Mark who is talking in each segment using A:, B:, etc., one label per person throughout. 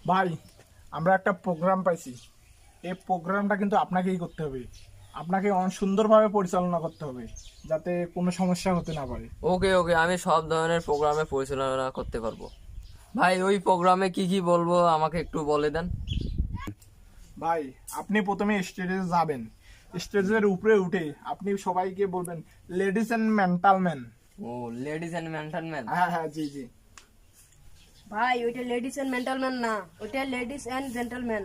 A: ভাই, আমরা একটা প্রোগ্রাম পাইছি। এই প্রোগ্রামটা কিন্তু আপনাকেই করতে হবে। আপনাকে অনেক সুন্দরভাবে পরিচালনা করতে হবে, যাতে কোনো সমস্যা হতে না পারে।
B: ওকে ওকে, আমি সব ধরনের প্রোগ্রামে পরিচালনা করতে পারবো। ভাই, ওই প্রোগ্রামে কি কি বলবো আমাকে একটু বলে দেন।
A: ভাই, আপনি প্রথমে স্টেজে যাবেন। স্টেজের উপরে উঠে আপনি সবাইকে বলবেন, লেডিস অ্যান্ড মেন্টাল ম্যান।
B: ও, লেডিস এন্ড জেন্টলম্যান।
A: হ্যাঁ হ্যাঁ, জি জি।
C: ভাই ওইটা লেডিস এন্ড জেন্টলম্যান না, ওইটা লেডিস এন্ড জেন্টলম্যান।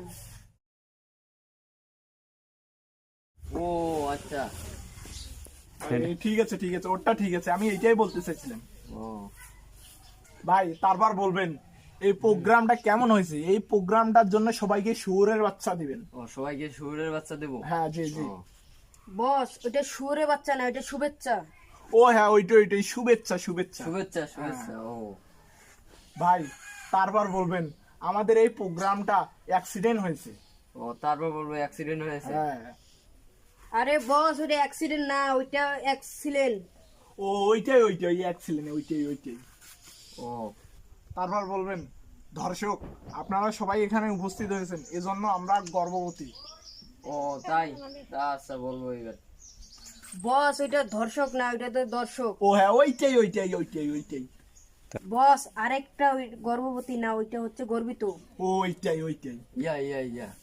B: ও আচ্ছা।
A: ঠিক আছে ঠিক আছে, ওটা ঠিক আছে, আমি এইটাই বলতে চাইছিলাম।
B: ও
A: ভাই, তারপর বলবেন এই প্রোগ্রামটা কেমন হয়েছে। এই প্রোগ্রামটার জন্য সবাইকে শুয়োরের বাচ্চা দিবেন।
B: ও, সবাইকে শুয়োরের বাচ্চা দেবো।
A: হ্যাঁ জি জি।
B: ও,
C: বস ওইটা সুরে বাচ্চা না, ওইটা শুভেচ্ছা।
A: ও হ্যাঁ, ওইটাই শুভেচ্ছা শুভেচ্ছা।
B: শুভেচ্ছা শুভেচ্ছা। ও
A: ভাই, তারপর বলবেন আমাদের এই প্রোগ্রামটা অ্যাক্সিডেন্ট হয়েছে।
B: ও, তারপর বলবো অ্যাক্সিডেন্ট হয়েছে।
A: হ্যাঁ।
C: আরে বস ওইটা অ্যাক্সিডেন্ট না, ওইটা অ্যাক্সিলেন্ট।
A: ও ওইটাই অ্যাক্সিডেন্ট, ওইটাই।
B: ও
A: তারপর বলবেন দর্শক, আপনারা সবাই এখানে উপস্থিত হয়েছেন, এজন্য আমরা গর্ববতী।
B: ও, তাই? তা আচ্ছা, বলবো এবার।
C: বস ওইটা ধর্ষক না, ওইটা তো দর্শক।
A: ও হ্যাঁ, ওইটাই।
C: বস আরেকটা ওই গর্ভবতী না, ওইটা হচ্ছে গর্বিত।
A: ওইটাই।
B: ইয়া ইয়া ইয়া।